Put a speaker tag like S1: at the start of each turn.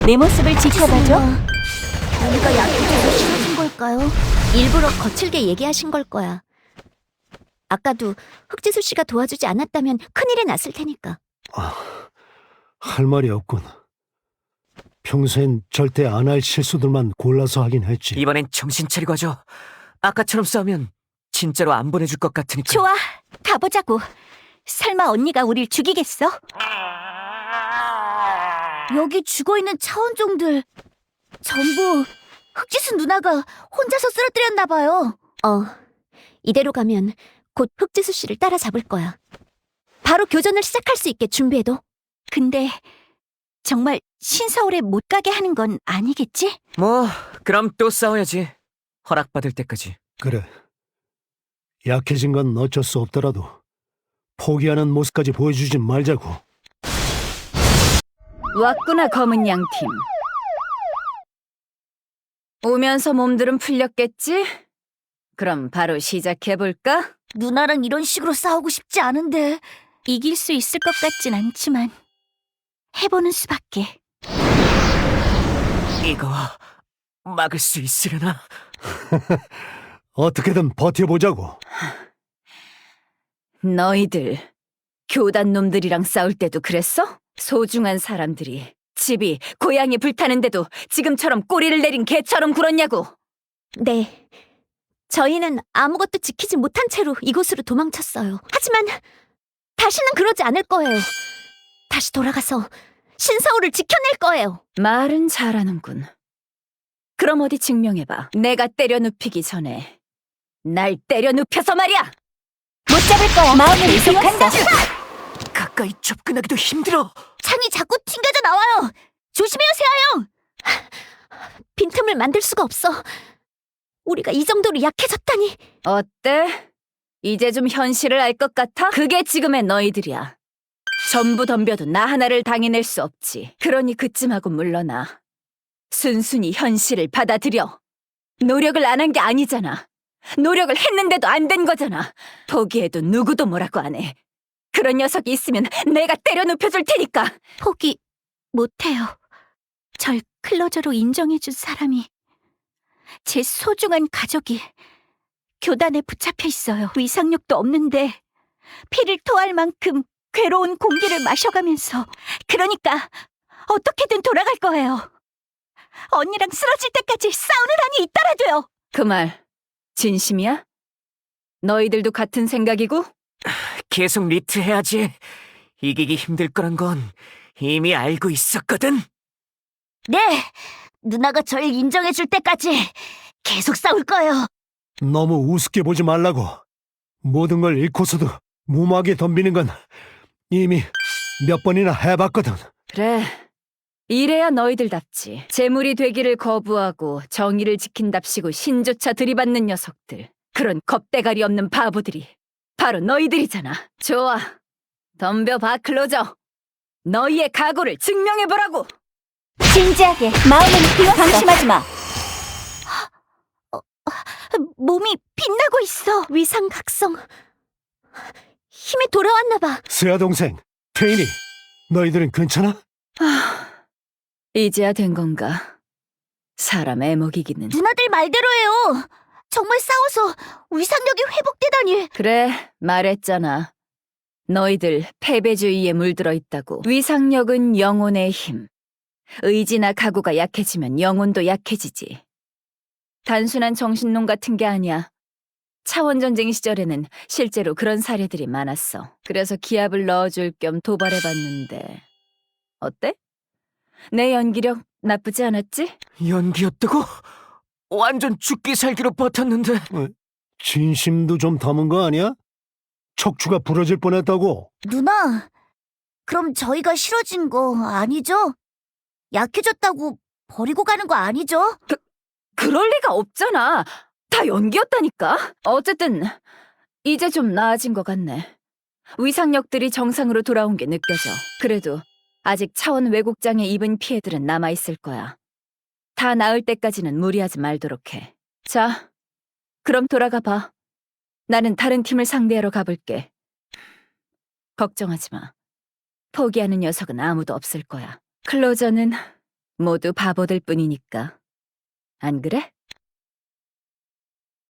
S1: 내 모습을 지켜봐줘.
S2: 우리가 약해져서 싫어진 걸까요?
S3: 일부러 거칠게 얘기하신 걸 거야. 아까도 흑지수 씨가 도와주지 않았다면 큰일이 났을 테니까.
S4: 할 말이 없군. 평소엔 절대 안 할 실수들만 골라서 하긴 했지.
S5: 이번엔 정신 차리고 하죠. 아까처럼 싸우면 진짜로 안 보내줄 것 같으니까.
S1: 좋아, 가보자고. 설마 언니가 우릴 죽이겠어?
S2: 여기 죽어있는 차원종들 전부 흑지수 누나가 혼자서 쓰러뜨렸나 봐요.
S3: 이대로 가면 곧 흑지수 씨를 따라잡을 거야. 바로 교전을 시작할 수 있게 준비해둬.
S1: 근데 정말 신서울에 못 가게 하는 건 아니겠지?
S5: 뭐 그럼 또 싸워야지. 허락받을 때까지.
S4: 그래. 약해진 건 어쩔 수 없더라도 포기하는 모습까지 보여주지 말자고.
S6: 왔구나, 검은 양팀. 오면서 몸들은 풀렸겠지? 그럼 바로 시작해볼까?
S2: 누나랑 이런 식으로 싸우고 싶지 않은데.
S1: 이길 수 있을 것 같진 않지만 해보는 수밖에.
S5: 이거 막을 수 있으려나?
S4: 어떻게든 버텨보자고.
S6: 너희들 교단 놈들이랑 싸울 때도 그랬어? 소중한 사람들이 집이 고향이 불타는데도 지금처럼 꼬리를 내린 개처럼 굴었냐고.
S3: 네. 저희는 아무것도 지키지 못한 채로 이곳으로 도망쳤어요. 하지만 다시는 그러지 않을 거예요. 다시 돌아가서 신서울을 지켜낼 거예요.
S6: 말은 잘하는군. 그럼 어디 증명해봐. 내가 때려 눕히기 전에 날 때려 눕혀서 말이야.
S1: 못 잡을 거야. 마음을 이속한다.
S5: 가까이 접근하기도 힘들어.
S2: 창이 자꾸 튕겨져 나와요. 조심해요, 세아형.
S3: 빈틈을 만들 수가 없어. 우리가 이 정도로 약해졌다니.
S6: 어때? 이제 좀 현실을 알 것 같아? 그게 지금의 너희들이야. 전부 덤벼도 나 하나를 당해낼 수 없지. 그러니 그쯤하고 물러나. 순순히 현실을 받아들여. 노력을 안 한 게 아니잖아. 노력을 했는데도 안 된 거잖아. 포기해도 누구도 뭐라고 안 해. 그런 녀석이 있으면 내가 때려 눕혀줄 테니까.
S1: 포기 못해요. 절 클로저로 인정해준 사람이, 제 소중한 가족이 교단에 붙잡혀 있어요. 위상력도 없는데 피를 토할 만큼 괴로운 공기를 마셔가면서. 그러니까 어떻게든 돌아갈 거예요. 언니랑 쓰러질 때까지 싸우는 한이 있더라도요.
S6: 그 말 진심이야? 너희들도 같은 생각이고?
S5: 계속 리트해야지. 이기기 힘들 거란 건 이미 알고 있었거든.
S2: 네, 누나가 절 인정해줄 때까지 계속 싸울 거예요.
S4: 너무 우습게 보지 말라고. 모든 걸 잃고서도 무모하게 덤비는 건 이미 몇 번이나 해봤거든.
S6: 그래, 이래야 너희들답지. 재물이 되기를 거부하고 정의를 지킨답시고 신조차 들이받는 녀석들. 그런 겁대가리 없는 바보들이 바로 너희들이잖아. 좋아, 덤벼봐, 클로저. 너희의 각오를 증명해보라고.
S1: 진지하게 마음은 비웠어. 방심하지 마. 몸이 빛나고 있어.
S3: 위상각성. 힘이 돌아왔나 봐.
S4: 세아 동생, 태인이, 너희들은 괜찮아?
S6: 이제야 된 건가? 사람 애먹이기는.
S2: 누나들 말대로예요. 정말 싸워서 위상력이 회복되다니.
S6: 그래, 말했잖아. 너희들 패배주의에 물들어 있다고. 위상력은 영혼의 힘. 의지나 각오가 약해지면 영혼도 약해지지. 단순한 정신론 같은 게 아니야. 차원전쟁 시절에는 실제로 그런 사례들이 많았어. 그래서 기합을 넣어줄 겸 도발해봤는데 어때? 내 연기력 나쁘지 않았지?
S5: 연기였다고? 완전 죽기 살기로 버텼는데.
S4: 진심도 좀 담은 거 아니야? 척추가 부러질 뻔했다고.
S2: 누나, 그럼 저희가 싫어진 거 아니죠? 약해졌다고 버리고 가는 거 아니죠?
S6: 그럴 리가 없잖아. 다 연기였다니까. 어쨌든 이제 좀 나아진 것 같네. 위상력들이 정상으로 돌아온 게 느껴져. 그래도 아직 차원 왜곡장애 입은 피해들은 남아있을 거야. 다 나을 때까지는 무리하지 말도록 해. 자, 그럼 돌아가 봐. 나는 다른 팀을 상대하러 가볼게. 걱정하지 마. 포기하는 녀석은 아무도 없을 거야. 클로저는 모두 바보들 뿐이니까. 안 그래?